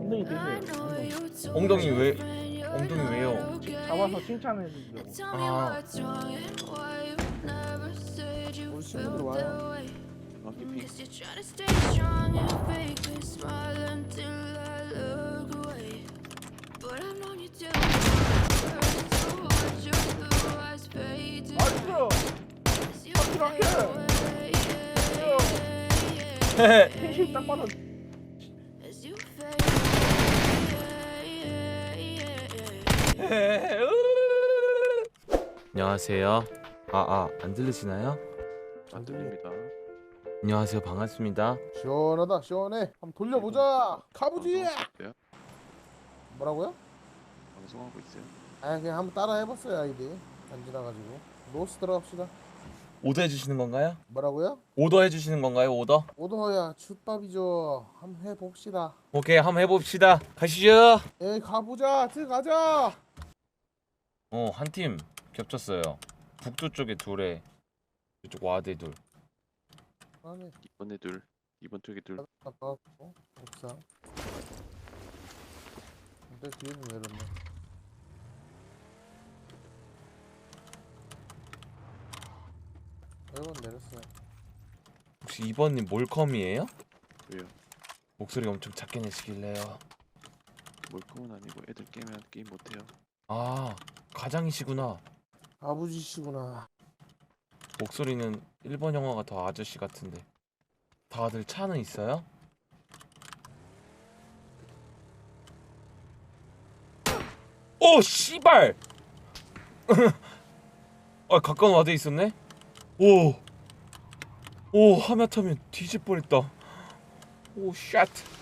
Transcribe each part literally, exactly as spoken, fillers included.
엉덩이 대세요. 엉덩이 엉덩이. 왜 엉덩이 왜요? 잡아서 칭찬해 주려고. 아 우리 친구들 와요. 어, 기핑. 나이스. 텐션 딱 받아. 안녕하세요. 아아 안 들리시나요? 안 들립니다. 안녕하세요. 반갑습니다. 시원하다 시원해. 한번 돌려보자. 가보지. 방송하고 있어요? 뭐라고요? 방송하고 있어요. 아 그냥 한번 따라 해봤어요 아이디. 안 지나가지고. 노스 들어갑시다. 오더 해주시는 건가요? 뭐라고요? 오더 해주시는 건가요? 오더? 오더야 춥밥이죠. 한번 해봅시다. 오케이 한번 해봅시다. 가시죠. 에이 가보자. 들어가자. 어 한 팀 겹쳤어요. 북두 쪽에 둘에 이쪽 와대 둘. 안에 이번에 둘, 이번 쪽에 둘. 나가고 옥상. 근데 뒤에 좀 내렸네. 일 번 내렸어요. 혹시 이번님 몰컴이에요? 왜요? 목소리 엄청 작게 내시길래요. 몰컴은 아니고 애들 깨면 게임 못해요. 아 가장이시구나. 아버지시구나. 목소리는 일본 영화가 더 아저씨 같은데. 다들 차는 있어요? 오 씨발! 아 가까운 와대 있었네? 오! 오 하마터면 뒤질 뻔했다. 오 샷!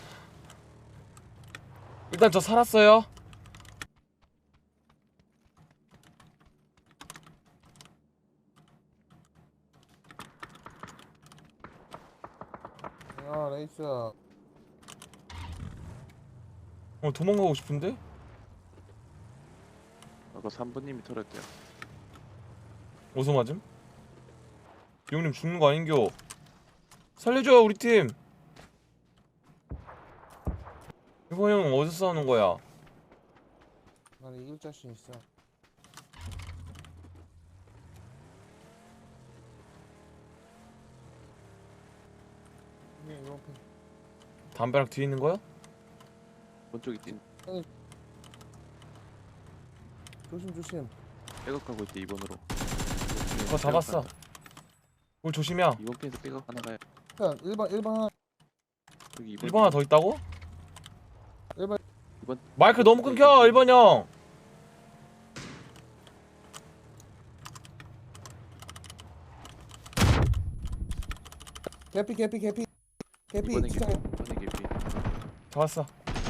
일단 저 살았어요. 아 레이스. 어 도망가고 싶은데? 아까 삼 번님이 털었대요. 어디서 맞음? 형님 죽는 거 아닌겨? 살려줘 우리 팀. 이거 형 어디서 싸우는 거야? 나는 이길 자신 있어. 네, 이번 편. 담벼락 뒤에 있는 거야? 이번 쪽에 뛴. 조심 조심. 백업하고 있대 이번으로. 어 잡았어. 뭘 조심이야. 이번 편에서 백업 하나 가요. 일단 일 번 일 번 하나. 여기 이번. 일 번 하나 더 있다고? 일 번 이번. 마이크 너무 끊겨 일 번 형. 개피 개피 개피 개피 이번에 진짜 개피. 이번에 개피. 잡았어.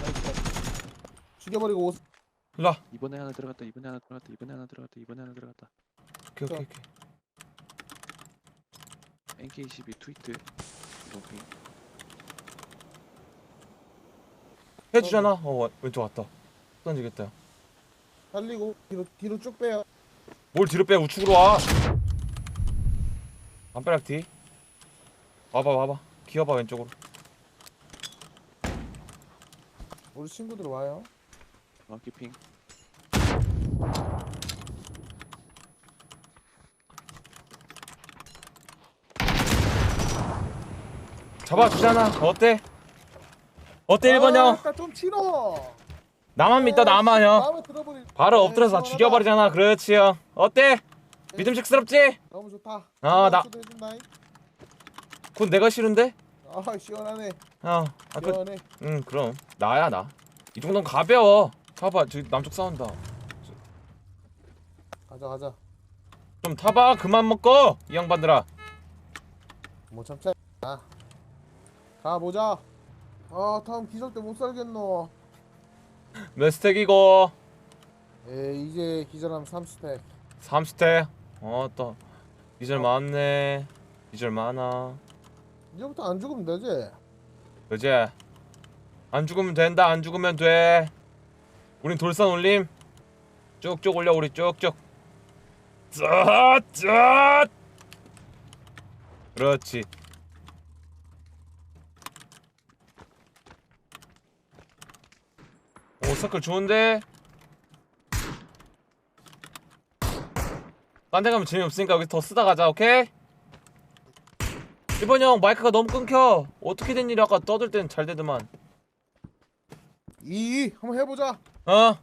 죽여버리고 옷. 일로와. 이번에 하나 들어갔다. 이번에 하나 들어갔다. 이번에 하나 들어갔다. 이번에 하나 들어갔다. 오케이 오케이 오케이. 엔케이 십이 트위트. 이번 편. 해주잖아. 어 와- 왼쪽 왔다. 던지겠다. 달리고 뒤로 뒤로 쭉 빼요. 뭘 뒤로 빼 우측으로 와. 담벼락 뒤. 와봐 와봐. 기어봐 왼쪽으로. 우리 친구들 와요. 아 기핑. 잡아주잖아. 어때? 어때 일 번 형? 아, 좀 치러. 나만 믿다 나만 형. 마음에 들어버리. 바로 네, 엎드려서 다 시원하다. 죽여버리잖아. 그렇지 형. 어때? 믿음직스럽지? 너무 좋다. 아, 나- 해준다잉. 그건 내가 싫은데? 아 시원하네. 어. 아, 그, 시원해. 응 그럼 나야 나. 이 정도는 가벼워. 봐봐 저기 남쪽 싸운다. 가자 가자. 좀 타봐. 그만 먹고 이 양반들아. 못 참자. 아. 가보자. 아 다음 기절 때 못 살겠노. 몇 스택이고? 에 이제 기절하면 삼 스택. 삼 스택. 어또 기절 많네. 기절 많아. 이제부터 안 죽으면 되지. 그지? 안 죽으면 된다. 안 죽으면 돼. 우린 돌산 올림. 쭉쭉 올려 우리 쭉쭉. 쩌쩌. 그렇지. 서클 좋은데. 딴 데 가면 재미없으니까 여기서 더 쓰다 가자. 오케이? 일 번 형 마이크가 너무 끊겨. 어떻게 된 일이 아까 떠들 땐 잘 되더만. 이 한번 해보자. 어?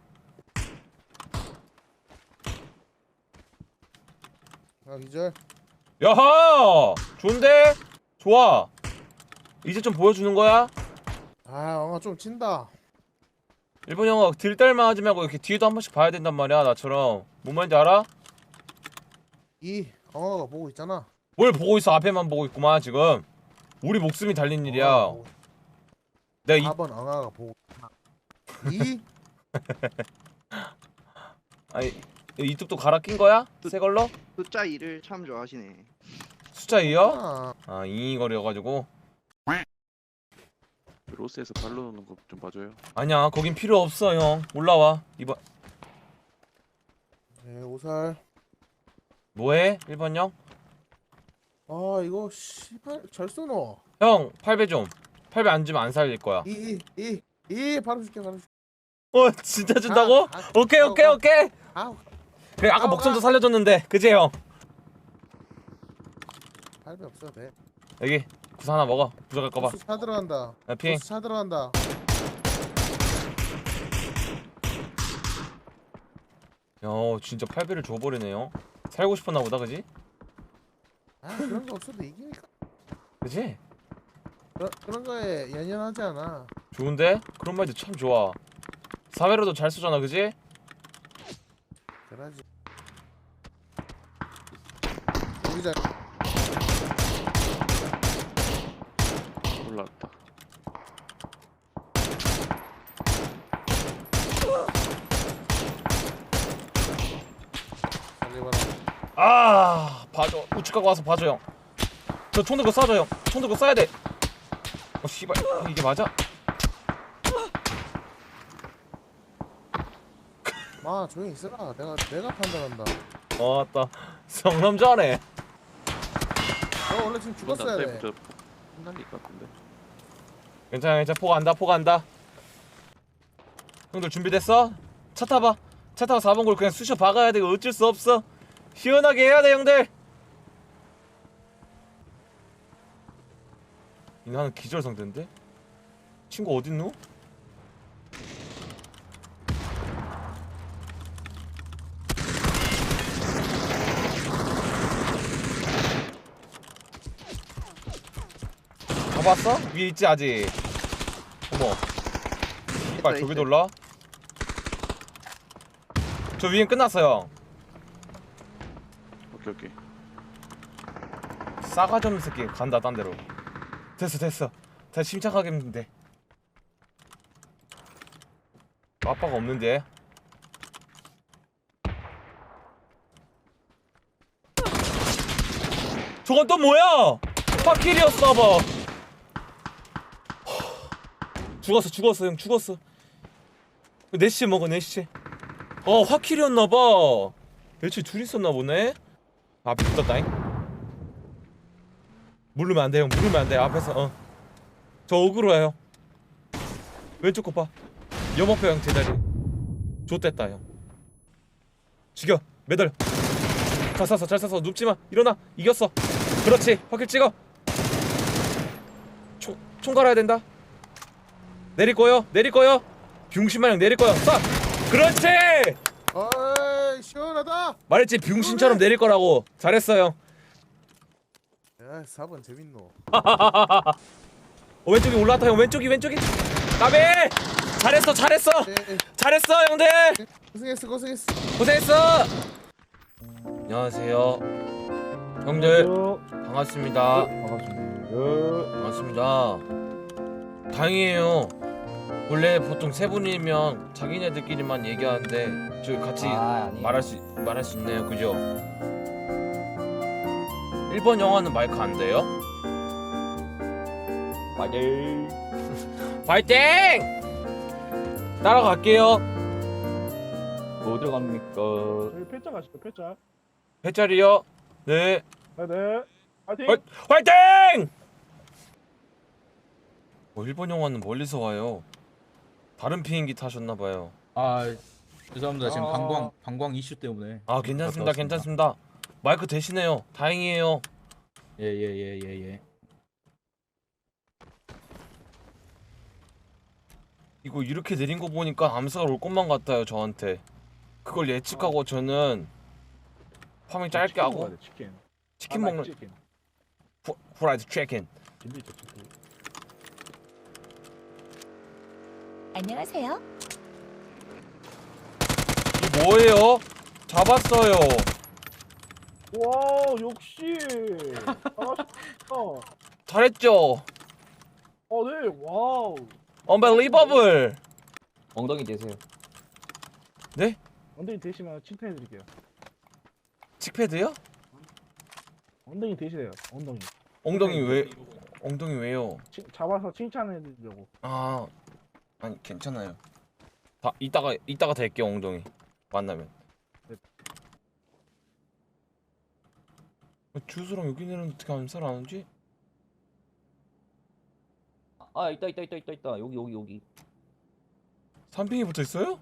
아 기절. 야하! 좋은데? 좋아. 이제 좀 보여주는 거야? 아 엉아 좀 친다. 일 번 형아 들딸만 하지 말고 이렇게 뒤에도 한 번씩 봐야 된단 말이야. 나처럼. 뭔 말인지 알아? 이 엉아가 보고 있잖아. 뭘 보고 있어. 앞에만 보고 있구만 지금. 우리 목숨이 달린 일이야. 엉아가 보고 있- 내가 이 사 번 엉아가 보고 있잖아. 이 아니 이뚝도 갈아 낀 거야? 새 걸로? 숫자 이를 참 좋아하시네. 숫자 이요? 아, 아 잉잉거려가지고. 로스에서 발로 넣는 거 좀 봐줘요. 아니야 거긴 필요 없어 형. 올라와. 이번 네 오살. 뭐해? 일 번 형? 아 이거 씨발 잘 쏘노. 형 팔 배 좀. 팔 배 안 주면 안 살릴 거야. 이 이 이 바로 줄게 바로 줄게. 어 진짜 준다고? 아, 아, 오케이 오케이 아, 오케이. 아 그래 아까 아, 목숨도 아. 살려줬는데 그지 형? 할배 없어도 돼. 여기 구사 하나 먹어. 부족할까봐. 보스 차 들어간다. 아, 핑. 보스 차 들어간다. 야 진짜 팔 배를 줘버리네요. 살고 싶었나 보다 그지? 아 그런 거 없어도 이기니까. 그지? 그런 그런 거에 연연하지 않아. 좋은데? 그런 말도 참 좋아. 사 배로도 잘 쏘잖아 그지? 그러지. 여기자. 올라왔다. 살리봐라. 아 봐줘. 우측 가고 와서 봐줘 형. 저 총 들고 쏴줘 형. 총 들고 쏴야 돼. 어 씨발 이게 맞아? 마 조용히 있어라. 내가 내가 판단한다. 어 맞다. 성남자네. 너 원래 지금 이번 죽었어야 돼. 단타부터 혼날릴 것 같은데. 괜찮아 괜찮아. 포 간다 포 간다. 형들 준비됐어? 차 타봐. 차 타고 사 번 골 그냥 쑤셔 박아야 돼. 이거 어쩔 수 없어. 시원하게 해야 돼 형들. 이 나는 기절 상태인데? 친구 어딨노? 잡았어? 위에 있지 아직. 어머. 빨리 저기 돌라. 저 위엔 끝났어요. 오케이 오케이. 싸가지 없는 새끼 간다 딴 데로. 됐어 됐어. 다시 침착하게 했는데. 아빠가 없는데. 저건 또 뭐야? 파킬이었어 봐. 죽었어 죽었어 형 죽었어. 네 시에 먹어 네 시에. 어 화킬이었나봐. 애초에 둘이 있었나 보네. 앞에 붙었다잉. 물르면 안돼 형. 물르면 안돼 앞에서. 어 저 어그로야 형. 왼쪽 거봐. 염업표 형 제자리. 좆됐다 형. 죽여 매달려. 잘 쐈어 잘 쐈어. 눕지마. 일어나. 이겼어. 그렇지 화킬 찍어. 총, 총 갈아야 된다. 내릴 거요 내릴 거요. 병신마냥 내릴 거요. 쏴. 그렇지. 어이 시원하다. 말했지 병신처럼 내릴 거라고. 잘했어 형. 야 사 번 재밌노. 어, 왼쪽이 올라왔다 형. 왼쪽이 왼쪽이. 까베. 잘했어 잘했어 네, 잘했어 형들. 고생했어 고생했어. 고생했어. 안녕하세요 형들. 반갑습니다. 반갑습니다. 반갑습니다. 다행이에요. 원래 보통 세 분이면 자기네들끼리만 얘기하는데 저희 같이 아, 아니에요. 말할 수 말할 수 있네요. 그죠? 일 번 영화는 마이크 안 돼요? 파이팅! 파이팅! 따라갈게요. 어디로 갑니까? 저희 패자 가시죠 패자. 배짜리요. 네. 네네. 파이팅. 화, 화이팅! 어, 일본 영화는 멀리서 와요. 다른 비행기 타셨나봐요. 아 죄송합니다. 지금 아. 방광 방광 이슈 때문에. 아 괜찮습니다, 갔다 왔습니다. 괜찮습니다. 마이크 대신해요. 다행이에요. 예예예 예 예, 예. 이거 이렇게 내린 거 보니까 암살 올 것만 같아요 저한테. 그걸 예측하고 저는 파밍 짧게 치킨 하고 먹어야 돼, 치킨. 치킨 아, 나 먹는 치킨. 후, 후라이드 치킨. 진짜 치킨. 안녕하세요. 이 뭐예요? 잡았어요. 와 역시. 잘하셨다. 잘했죠. 어 네. 와우. Unbelievable. 엉덩이 대세요. 엉덩이 대시면 칭찬해드릴게요. 칙패드요? 엉덩이 대시래요. 엉덩이. 엉덩이 왜? 엉덩이 왜요? 치, 잡아서 칭찬해드리려고. 아 아니 괜찮아요. 다 이따가 이따가 댈게요 엉덩이 만나면. 네. 주스랑 여기 내는 어떻게 암살 안 오지? 아 있다 있다 있다 있다 있다. 여기 여기 여기. 삼핑이 붙어 있어요?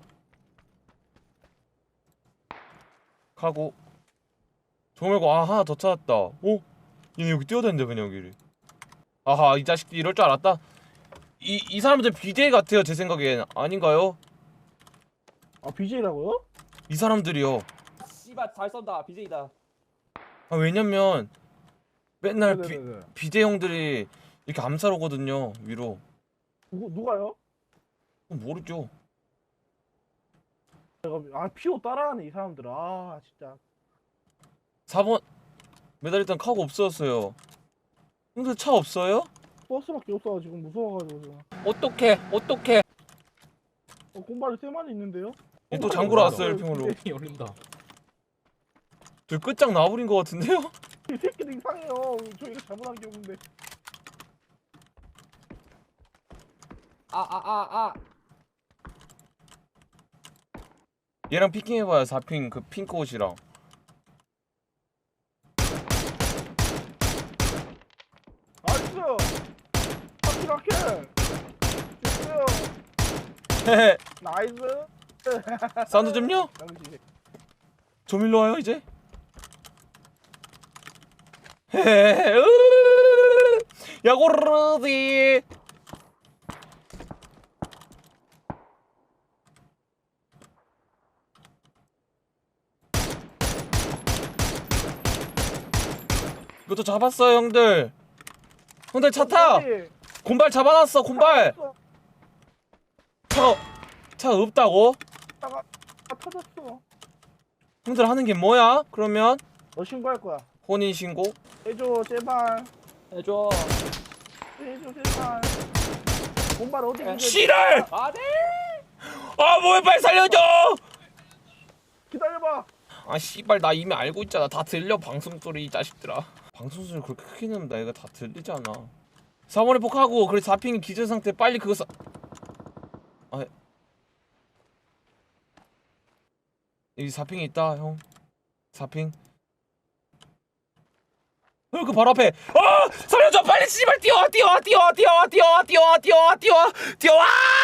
가고. 저 말고 아 하나 더 찾았다. 오, 얘네 여기 뛰어다닌다 그냥 여기를. 아하 이 자식들 이럴 줄 알았다. 이 이 사람들 비제이 같아요 제 생각엔. 아닌가요? 아 비제이라고요? 이 사람들이요. 씨발 잘 쏜다. 비제이다. 아 왜냐면 맨날 비, 네네네. 비제이 형들이 이렇게 암살 오거든요 위로. 누구 누가요? 모르죠. 내가 아 피오 따라하네 이 사람들. 아 진짜. 사 번 메달리탄 카고 없어졌어요. 형들 차 없어요? 버스밖에 없어 지금 무서워가지고 지금. 어떡해 어떡해. 어 곰발이 세 마리 있는데요? 얘 또 장구러 왔어요 일평으로. 이 올린다. 저 끝장 나버린 것 같은데요? 이 새끼들 이상해요. 저희가 잘못한 게 없는데. 아 아 아 아. 얘랑 피킹해봐요. 사 핑 그 핑크 옷이랑. 나이스. 하키 라켓. 됐어요. 헤헤. 나이스. 사운드 좀요? 당신. 좀 일로 와요 이제. 헤헤. 으르르르르르. 야고르르디. 이것도 잡았어요 형들. 형들 차 타. 곰발 잡아놨어 곰발. 차가 차가 없다고? 아 터졌어. 형들 하는 게 뭐야? 그러면 너 신고할 거야. 혼인 신고? 해줘 제발. 해줘. 해줘 제발. 곰발 어디 있는지 씨랄! 아 네. 아 뭐야 빨리 살려줘! 기다려봐. 아 씨발 나 이미 알고 있잖아. 다 들려 방송 소리 이 자식들아. 방송 소리 그렇게 크게 내면 나 이거 다 들리잖아. 사 번에 폭하고 그래 사 핑이 기절 상태 빨리 그거 사... 아 여기 사 핑이 있다 형. 사 핑. 어, 그 바로 앞에. 아 살려줘 빨리 씨발 뛰어와 뛰어와 뛰어와 뛰어와 뛰어와 뛰어와 뛰어와 뛰어와 뛰어와.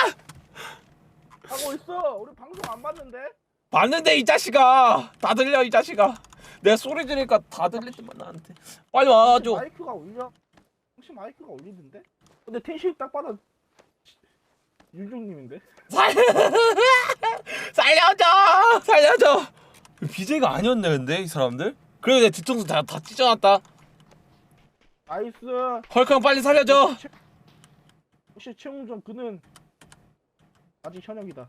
하고 있어. 우리 방송 안 봤는데. 봤는데 이 자식아 다 들려 이 자식아. 내가 소리 지르니까 다 들리지만 나한테 빨리 와줘. 마이크가 울려. 혹시 마이크가 울리는데? 근데 텐션이 딱 봐도 윤종님인데? 살 살려줘 살려줘. 비제이가 아니었네 근데 이 사람들. 그래도 내 뒤통수 다, 다 찢어놨다. 나이스. 헐크형 빨리 살려줘. 혹시 최웅정 그는 아직 현역이다.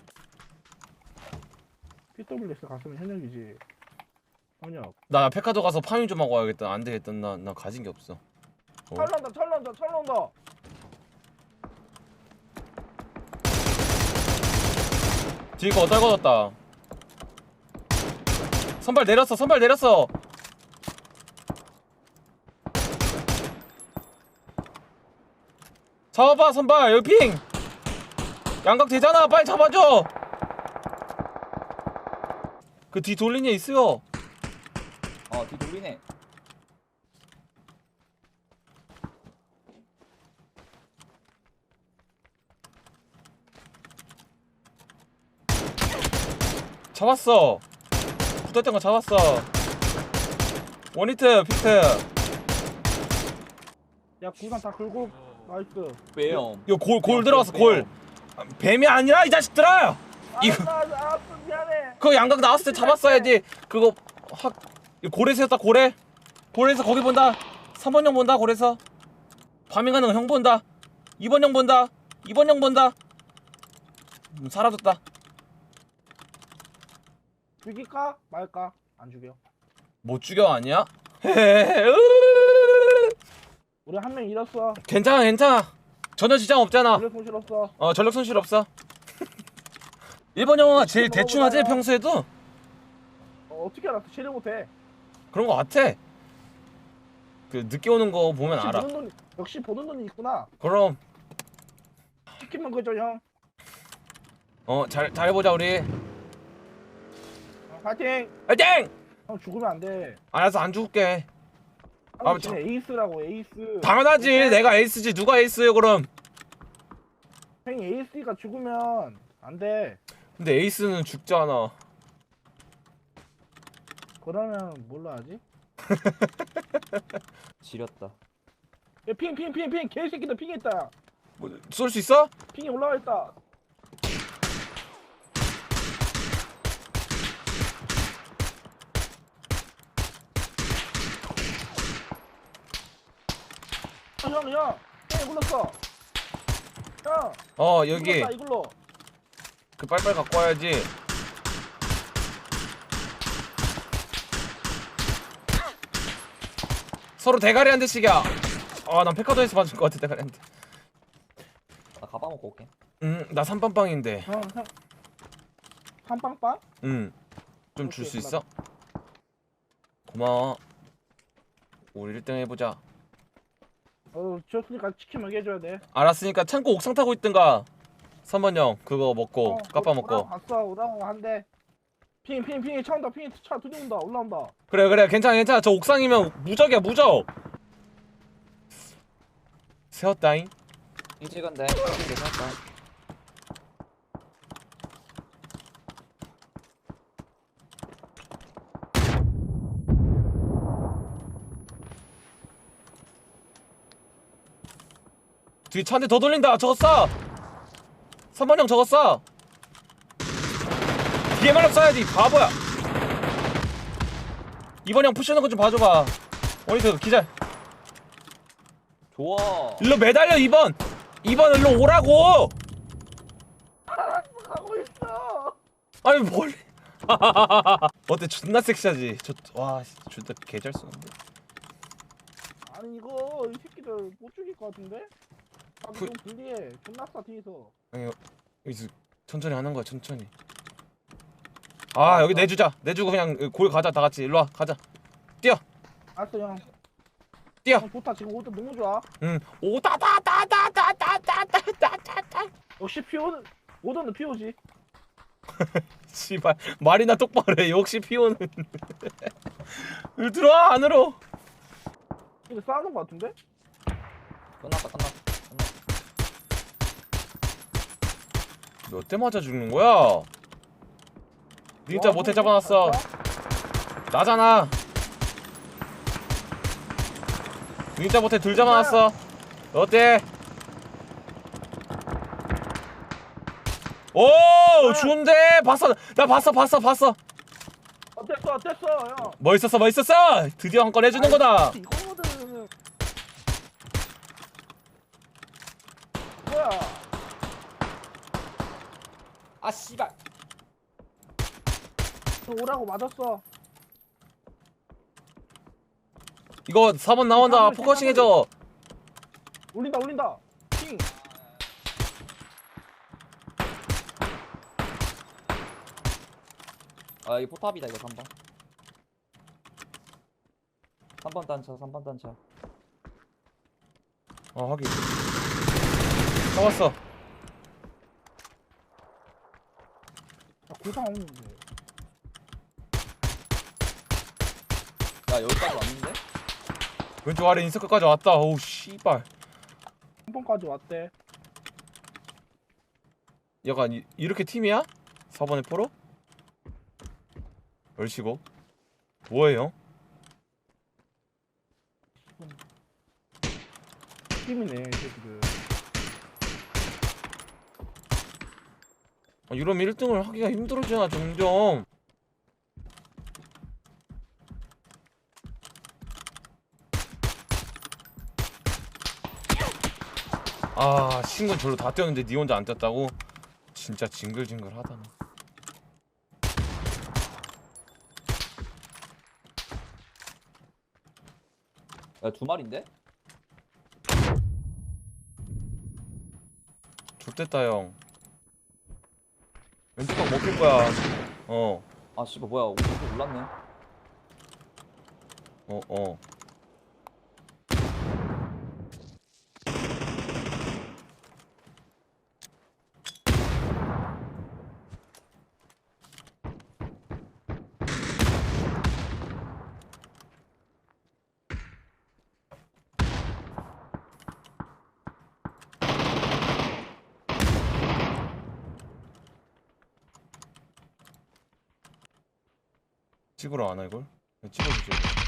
피더블유에스 갔으면 현역이지. 현역. 나 페카도 가서 파밍 좀 하고 와야겠다. 안 되겠다. 나, 나 가진 게 없어. 어? 찰난다 찰난다 찰난다. 뒤에 거 떨궈졌다. 선발 내렸어 선발 내렸어. 잡아봐 선발 여기 핑. 양각 되잖아 빨리 잡아줘. 그 뒤 돌린 애 있어요. 어 뒤돌리네. 잡았어. 붙었던 거 잡았어. 원히트 피트. 야 구상 다 긁고 나이스. 왜요? 이거 골 골 들어갔어 골. 뱀이 아니라 이 자식들아. 이거 아, 나, 아, 미안해. 그거 양각 나왔을 때 잡았어야지. 그거 확 고래 세웠다 고래. 고래에서 거기 본다. 삼 번 형 본다 고래에서. 파밍하는 거 형 본다. 이 번 형 본다. 이 번 형 본다. 음, 사라졌다. 죽일까 말까? 안 죽여. 못 죽여 아니야? 우리 한 명 잃었어. 괜찮아 괜찮아. 전혀 지장 없잖아. 그래 손실 없어. 어 전력 손실 없어. 일본 영화가 제일 대충 하지 평소에도. 어, 어떻게 알았어? 체를 못해. 그런 거 같아. 그 늦게 오는 거 보면 역시 알아. 보는 돈, 역시 보는 돈이 있구나. 그럼 치킨만 그죠 형. 어 잘 잘해보자 우리. 어, 파이팅. 화이팅! 형 죽으면 안 돼. 알았어 안 죽을게. 아, 형 지금 에이스라고 에이스. 당연하지. 내가 에이스지. 누가 에이스예요 그럼? 형이 에이스가 죽으면 안 돼. 근데 에이스는 죽잖아. 그러면 뭘로 하지? 지렸다. 야, 핑, 핑, 핑, 핑, 개새끼들 핑 있다. 뭐, 쏠 수 있어? 핑이 올라와 있다. 어, 형, 형, 형 굴렀어. 형, 어 여기 굴렀다, 이걸로. 그 빨빨 갖고 와야지. 서로 대가리 한 대씩이야. 아난 페카도에서 맞을 것 같아 대가리 한 대. 나 가방 먹고 올게. 음나 삼빵빵인데. 형, 형, 한빵빵? 음좀 줄 수 오케이, 있어? 고마워. 우리 일 등 해보자. 어, 줬으니까 치킨 먹여줘야 돼. 알았으니까 창고 옥상 타고 있든가. 삼 번 형 그거 먹고 어, 까빠 오- 먹고. 오라고 갔어, 오라고 한대. 핑, 핑, 핑이 차 온다, 핑이 차 들이온다, 올라온다. 그래 그래 괜찮아 괜찮아. 저 옥상이면 무적이야 무적. 세웠다잉. 이 찍은데. 괜찮다. 뒤에 차 한 대 더 돌린다. 저거 쏴. 삼 번 형 저거 쏴. 뒤에만 쏴야지 바보야. 이 번 형 푸시하는 거 좀 봐줘봐. 원히트 기절. 좋아. 일로 매달려 이 번. 이 번 일로 오라고. 가고 있어. 아니 뭘. 어때 존나 섹시하지. 저와 존나 개잘 쏘는데. 아니 이거 이 새끼들 못 죽일 것 같은데? 아, 그- 좀 불리해. 존나 싸 뒤에서. 아니 여기서 천천히 하는 거야 천천히. 아 여기 내주자. 내주고 그냥 골 가자 다 같이. 일로 와 가자. 알았어 형. 뛰어. 형 좋다 지금 오도 너무 좋아. 응. 오다다다다다다다다다다. 역시 피오는 오도는 피오지. 씨발 말이나 똑바로 해. 역시 피오는. 들어와 안으로. 이거 싸우는 것 같은데? 끝났다 끝났다. 몇 대 맞아 죽는 거야? 진짜 와, 못해 형, 잡아놨어. 잘 쏴? 나잖아. 진짜 못해 둘 잡아놨어. 어때? 오 좋은데 봤어. 나 봤어 봤어 봤어. 어땠어 어땠어 형? 멋있었어 멋있었어. 드디어 한 건 해주는 거다. 이거거든. 뭐야? 아 씨발. 너 오라고 맞았어. 이거 사 번 나온다. 포커싱 해줘. 울린다 울린다. 핑. 아 이거 포탑이다 이거 삼 번. 삼 번 단차 삼 번 단차. 어 하긴. 잡았어. 야, 구상 없는데. 야 여기까지 왔는데? 왼쪽 아래 인서클까지 왔다. 오우 씨발. 한 번까지 왔대. 약간 이, 이렇게 팀이야? 사 번의 프로? 열시고 뭐예요? 팀이네 이 새끼들. 아, 이러면 일 등을 하기가 힘들어지나 점점. 아 친구는 절로 다 뛰었는데 니 혼자 안 뛰었다고? 진짜 징글징글하다. 야, 두 마리인데? 좋댔다 형. 왼쪽 방 먹힐 거야. 어, 아, 씨발, 뭐야. 오른쪽 올랐네. 어, 어. 찍으러 안 와 이걸? 그냥 찍어주지.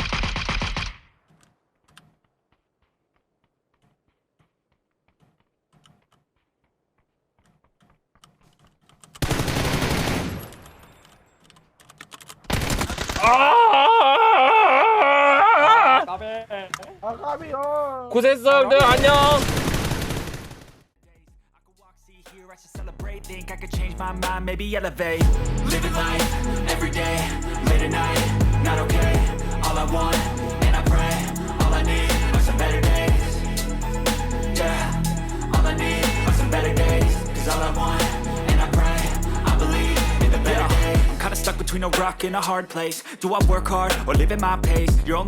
아! 까베. 아 까비요. 고생했어 형들 안녕. Here I should celebrate, think I could change my mind, maybe elevate. Living life, every day, late at night, not okay. All I want, and I pray, all I need are some better days. Yeah, all I need are some better days. Cause all I want, and I pray, I believe in the better days. I'm kinda stuck between a rock and a hard place. Do I work hard, or live at my pace? You're only